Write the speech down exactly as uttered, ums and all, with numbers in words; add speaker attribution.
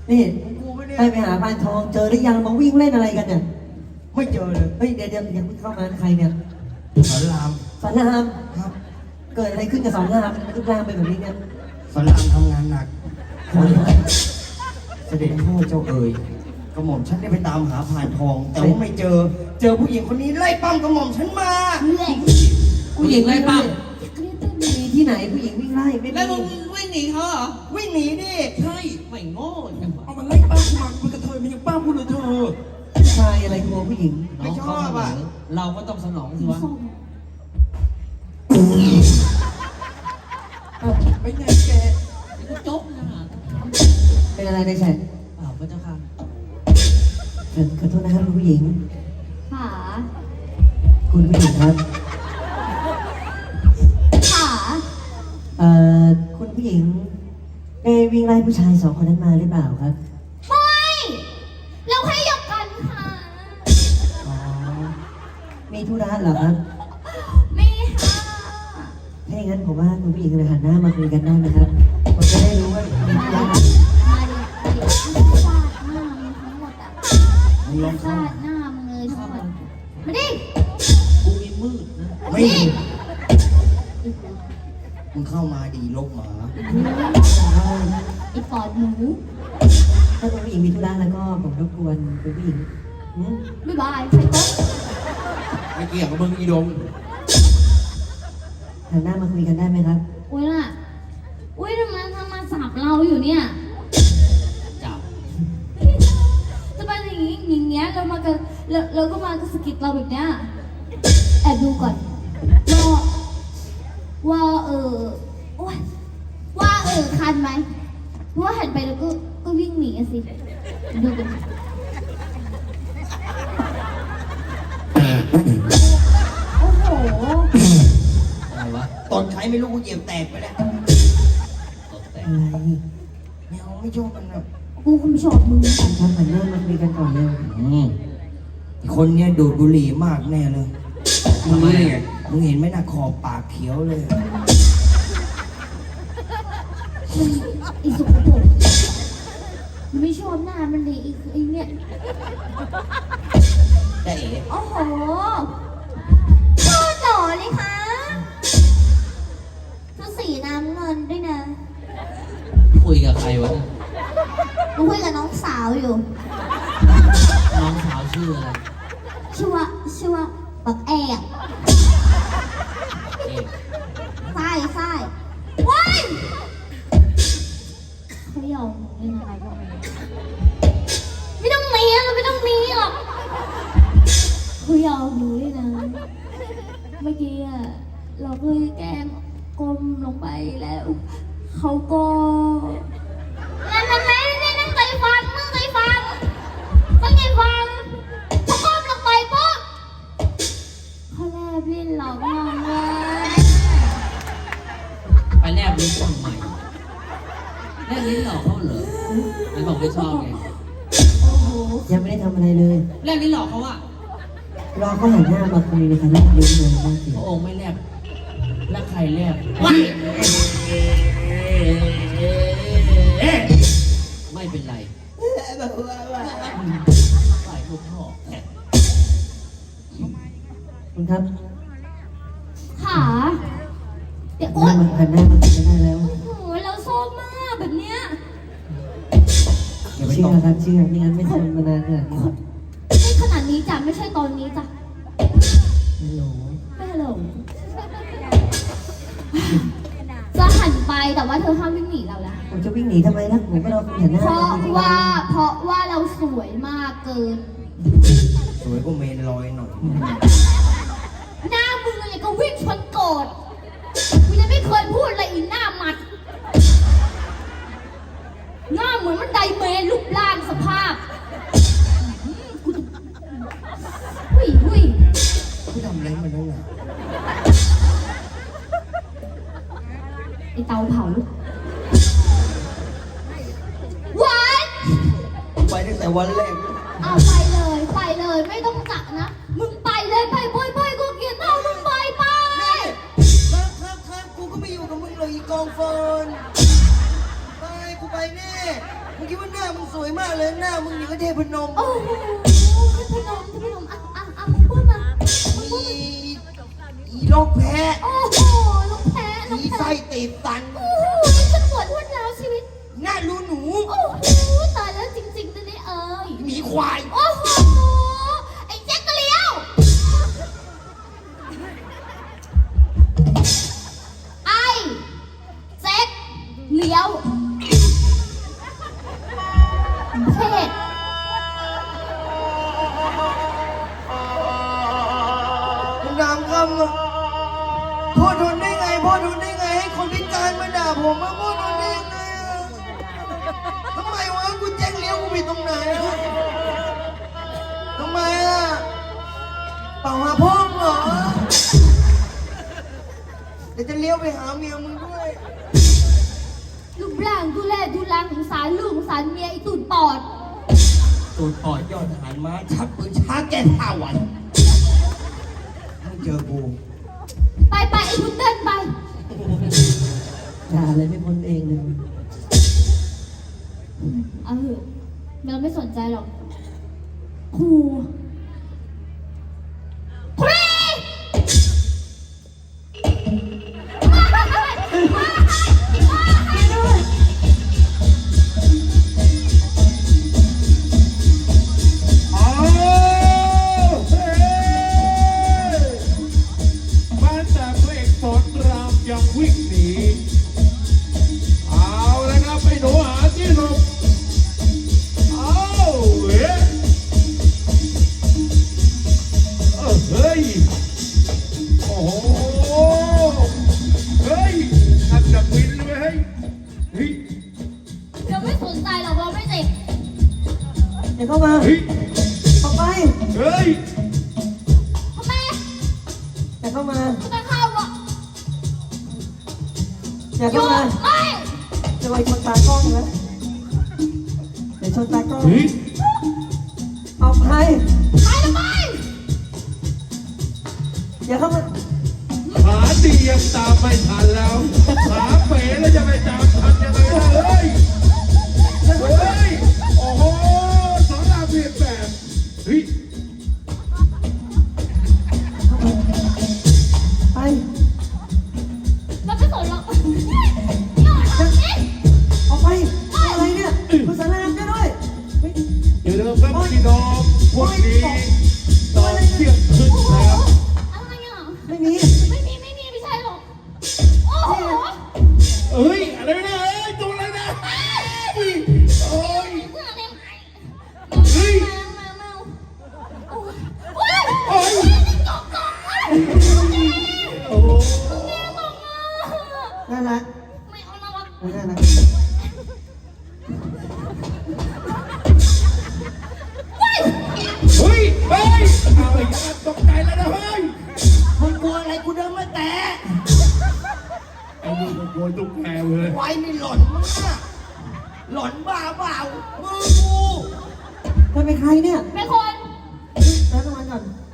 Speaker 1: นี่
Speaker 2: กูไม่ได้
Speaker 1: ไปไปหาพานทองเจอหรือยังมาวิ่งเล่นอะไรกันเนี่ย
Speaker 2: ไม่เจอเลย
Speaker 1: เฮ้ยเดี๋ยวเดี๋ยวอย่าเพิ่งเข้ามาใครเนี่ย
Speaker 2: สอนราม
Speaker 1: สอนราม
Speaker 2: ครับ
Speaker 1: เกิดอะไรขึ้นกับสอนรามมันรูปร่างเป็นแบบนี้เนี่ย
Speaker 2: สอนรามทำงานหนักเสด็จพ่อเจ้าเอ๋ยกระหม่อมฉันได้ไปตามหาผ่านทอง แต่ว่าไม่เจอเจอผู้หญิงคนนี้ไล่ปั้มกระหม่อมฉันมา
Speaker 1: ผู้หญิงไล่ปั้มมีที่ไหนผู้หญิงวิ่งไล่ไม่
Speaker 3: แล้วมึ
Speaker 1: มี
Speaker 3: งวิ่งหนีเขาเหรอ
Speaker 2: วิ่งหนีดิ
Speaker 3: ใช่ไม่โง่จังวะ
Speaker 4: เอามันไล่ป้ากูมากูเป็นกระเทยมันยังป้าพูดเลยเธอ
Speaker 1: ชายอะไรกลัวผู้หญิง
Speaker 3: น้องเขาเสนอเราก็ต้องสนองสิวะ
Speaker 4: ไปไหนแก
Speaker 3: กูจบนะ
Speaker 1: เป็นอะไรในแชท
Speaker 3: เปล่าพระเจ้าค่ะ
Speaker 1: ขอโทษนะครับคุณผู้หญิง
Speaker 5: ขา
Speaker 1: คุณผู้หญิงครับ
Speaker 5: ขา
Speaker 1: เอ่อคุณผู้หญิงได้วิ่งไล่ผู้ชายสองคนนั้นมาหรือเปล่าครับ
Speaker 5: ไม่เราแค่หยอกกันค่ะ
Speaker 1: อ๋อมีธุระเหรอครับ
Speaker 5: ไม่ค่ะ
Speaker 1: ถ้าอย่างนั้นผมว่าคุณผู้หญิงเลยหันหน้ามาคุยกันได้ไหมครับผมจะได้รู้ว่ามีธุระ
Speaker 5: มาดิมาดิฟาดหน้ามึงทั้งหมดอ่ะ
Speaker 2: มึงลองเข้า
Speaker 5: ฟาดหน้ามึงเลยทั้งหมดมาดิ
Speaker 3: กูมีมืดนะ
Speaker 2: ไม่มีมึงเข้ามาดีลกหมา
Speaker 5: ไอ้ปอดหมู
Speaker 1: ถ้าคุณผู้หญิงมีธุระแล้วก็ผมรบกวนคุณผู้หญิงหืม
Speaker 5: บ๊ายบายใส่โต๊ะ
Speaker 3: ไม่เกี่ยวกับมึงอีดง
Speaker 1: หันหน้ามาคุยกันได้ไหมครับ
Speaker 5: อุ้ยน่ะอุ้ยทำไมทำมาสับเราอยู่เนี่ย
Speaker 3: จับ
Speaker 5: จะมาอย่างงี้อย่างเงี้ยเรามากันเราเราก็มาสะกิดเราแบบเนี้ยแอบดูก่อนว่าว่าเออโอ๊ยว่าเออคันไหมเพราะว่าหันไปแล้วก็ก็วิ่งหนีอะสิดูกันโอ้โห
Speaker 3: อะไรวะ
Speaker 2: ตอนใช้ไม่รู้กูเหยียบแตกไปแล้ว
Speaker 3: ตกแต่
Speaker 1: อะไร
Speaker 2: ไม่เอาไม่ชอบมันแบบ
Speaker 5: กูคงชอบมึง
Speaker 1: ครับหันหน้ามาคุยกันก่อนเลย
Speaker 3: อืม
Speaker 2: คนเนี้ยดูดบุหรี่มากแน่เลยมึงรู้ได้ไงมึงเห็นไหมน่ะขอบปากเขียวเลย
Speaker 5: มันไอีสุกปรกมันไม่ชอบหน้ามันเลยไอ้ไอ้เนี่ย
Speaker 2: ได้เอ๋
Speaker 5: โอ้โหชอบหล่อเลยคะชุดสีน้ำเงินด้วยนะ
Speaker 3: คุยกับใครวะเนี่ย
Speaker 5: หนูคุยกับน้องสาวอยู่
Speaker 3: น้องสาวชื่ออะไร
Speaker 5: ชื่อว่าชื่อว่าบักแอก
Speaker 3: เอก
Speaker 5: ใช่ใช่ว้ายเขายอมเล่นอะไรบ้างไม่ต้องเลี้ยงไม่ต้องมีหรอกเขายอมหนูด้วยนะ เมื่อกี้อะเราเคยแกล้งก้มลงไปแล้ว เขาก็นั่นนั่นนั่นนี่นั่งใจฟังนั่งใจฟังตั้งใจฟังเขาก้มลงไปปุ๊บเขาแลบลิ้นหลอกน้องเลย
Speaker 3: ไปแลบลิ้นทำไมแลบลิ้นหลอกเขาเหรอไหนบอกไม่ชอบไง
Speaker 5: โอ้โห
Speaker 1: ยังไม่ได้ทำอะไรเลย
Speaker 3: แลบลิ้นหลอกเขาอะ
Speaker 1: รอเขาหันหน้ามาคุยเลยค่ะแลบลิ้นเลยน่าเกลีย
Speaker 3: พ
Speaker 1: ด
Speaker 3: ระองค์ไม่แลบแล้วใครแลบว้ายไม่เป็นไรฝ่ายลูกพ่อ
Speaker 1: คุณครับ
Speaker 5: ขาเดี๋ยว
Speaker 1: ห
Speaker 5: โอ๊
Speaker 1: น้าย มาหันหน้ามาคุยกันได้แล้ว
Speaker 5: โอ้โหเราชอบมากแบบเนี้ย
Speaker 2: อย่าไป
Speaker 1: เชื่
Speaker 2: ต
Speaker 1: อบ ครับเชื่อไม่งั้นไม่ทนมานานขนาดนี้หรอก
Speaker 5: ไม่ขนาดนี้จ้ะไม่ใช่ตอนนี้จ้ะ
Speaker 1: ฮัลโหล
Speaker 5: ไม่ฮัลโหลจะหันไปแต่ว่าเธอห้ามวิ่งหนีเรานะ
Speaker 1: ผมจะวิ่งหนีทำไมล่ะผมก็รอคุณหันหน้า
Speaker 5: เพ
Speaker 1: มา
Speaker 5: ราะ
Speaker 1: คุยกัน
Speaker 5: ว่าเพราะว่าเราสวยมากเกิน
Speaker 2: สวยก็เมนลอยหน่อย
Speaker 5: หน้ามึงอะไรก็วิ่งชนโกรธกูยังไม่เคยพูดอะไรอีหน้ามัด หน้าเหมือนมันไดเมนรูปร่างสภาพกูจะหุ้ยหุ้ย
Speaker 2: กูทำอะไรมันนั่นน่ะ
Speaker 5: ไอเตาเผาหวาน
Speaker 2: กูไปตั้งแต่วันแรก
Speaker 5: เอาไปเลยไปเลยไม่ต้องจักนะ มึงไปเลยไปไปไปกูเกลียดเต้ามึงไปไป
Speaker 2: ครับครับครับกูก็ไม่อยู่กับมึงเลยอีกองเฟิร์นไปกูไปแน่มึงคิดว่าหน้ามึงสวยมากเลยหน้ามึงอย่างกับเทพนม
Speaker 5: โอ้โหพนมพนมอ่ะอ่ะอ่ะมึงพูดมามึงพูด
Speaker 2: อี
Speaker 5: มา
Speaker 2: อีโรคแพ้
Speaker 5: โอ้โหลูกแพ้ลู
Speaker 2: อี
Speaker 5: กแพ้
Speaker 2: ไส้ตีบตัน
Speaker 5: โอ้โหฉันปวดรวดร้าวชีวิต
Speaker 2: หน้ารูหนู
Speaker 5: โอ้โหตายแล้วจริงๆนะเนี่ยเอ้ย
Speaker 2: หมีควาย
Speaker 5: โอ้โหไอ้แจ็คกะเลี้ยวไอ้แจ็คเลี้ยวเพศ
Speaker 2: คุณนามคำอะพ่อทนได้ไงพ่อทนได้ไงให้คนพิการมาด่าผมอะพ่อทนได้ยังไงอะทำไมวะกูแจ้งเลี้ยวกูผิดตรงไหนอะทำไมอะเปล่าหาพ่อมึงเหรอเดี๋ยวจะเลี้ยวไปหาเมียมึงด้วย
Speaker 5: รูปร่างดูแลดูแลสงสารลูกสงสารเมียไอ้ตูดปอด
Speaker 2: ตูดปอดยอดทหารม้าชักปืนช้าแก้ผ้าหวันมึงเจอกู
Speaker 5: ไปไปไอ้พุดเดิ้ลไป
Speaker 1: ด่าเลยไม่พ้นเองเลย
Speaker 5: เออเราไม่สนใจหรอกครูครู
Speaker 4: อ้าวเฮ้ยมาจากพระเอกสอนรามยังวิ่งหนีเอาแล้วครับไปหนูหาที่หลบเอาเฮ้ยเออเฮ้ยโอ้โหเฮ้ยอันดับวินเลยเฮ้ยเฮ้ย
Speaker 5: เราไม่สนใจหรอกเราไม่เจ็บ
Speaker 1: อย่าเข้ามา
Speaker 4: เฮ้ย
Speaker 1: ออกไป
Speaker 4: เฮ้ย
Speaker 5: ทำไม
Speaker 1: อย่าเข้ามา
Speaker 5: ทำไมเข้าอ่ะ
Speaker 1: อย่า
Speaker 5: หยุ
Speaker 1: เข้า
Speaker 5: ด
Speaker 1: มา
Speaker 5: ไม่
Speaker 1: จะไปชนตากล้องนะเดี๋ยวชนตากล้อง
Speaker 4: เฮ้ย
Speaker 1: ออกไป
Speaker 5: ไปทำไม
Speaker 1: อย่าเข้ามา
Speaker 4: ขาดียังตามไม่ทันแล้วขาเป๋แล้วจะไปตามทันยังไงล่ะเฮ้ย เฮ้ย โอ้โหสอนรามเพียงแบบเฮ้ย
Speaker 1: ไป
Speaker 5: เราไม่สนหรอกหยุดทำนี่
Speaker 1: ออกไปอะไรเนี่ยคุณสารามก็ด้วยเฮ้ย
Speaker 4: อย่าลืมครับพี่น้องพวกนี้ตอนเที่ยงคืนแล้ว
Speaker 5: อะไรอ่ะ
Speaker 1: ไม่มี
Speaker 5: ไม่มีไม่มีไม่ใช่หรอกโอ้โห
Speaker 4: เอ้ย อะไรนะเอ้ยตัวอะไรนะเฮ้ยโอ้ย
Speaker 5: เพื่อนอะไรไหม
Speaker 4: เฮ้ย
Speaker 5: แมวแมวแมวโอ้ยโอ้ย
Speaker 4: โอ้ย
Speaker 5: กอกกอกอ่ะ
Speaker 4: โอ้โห
Speaker 1: น่ารัก
Speaker 5: ไม่เอาน่ารัก
Speaker 1: เออน่ารัก
Speaker 4: เฮ้ย เฮ้ยเอาอีกแล้วตกใจแล้วนะเฮ้ย
Speaker 2: มึงกลัวอะไรกูเดินมาแตะ
Speaker 4: ไอ้นี่ก็กลัวตุ๊กแกเลย
Speaker 2: ไว้นี่หล่อนมากหล่อนบ้าเปล่ามือกู
Speaker 1: เธอเป็นใครเนี่ย
Speaker 5: เป็นคน
Speaker 1: แล้วรางวัลก่อน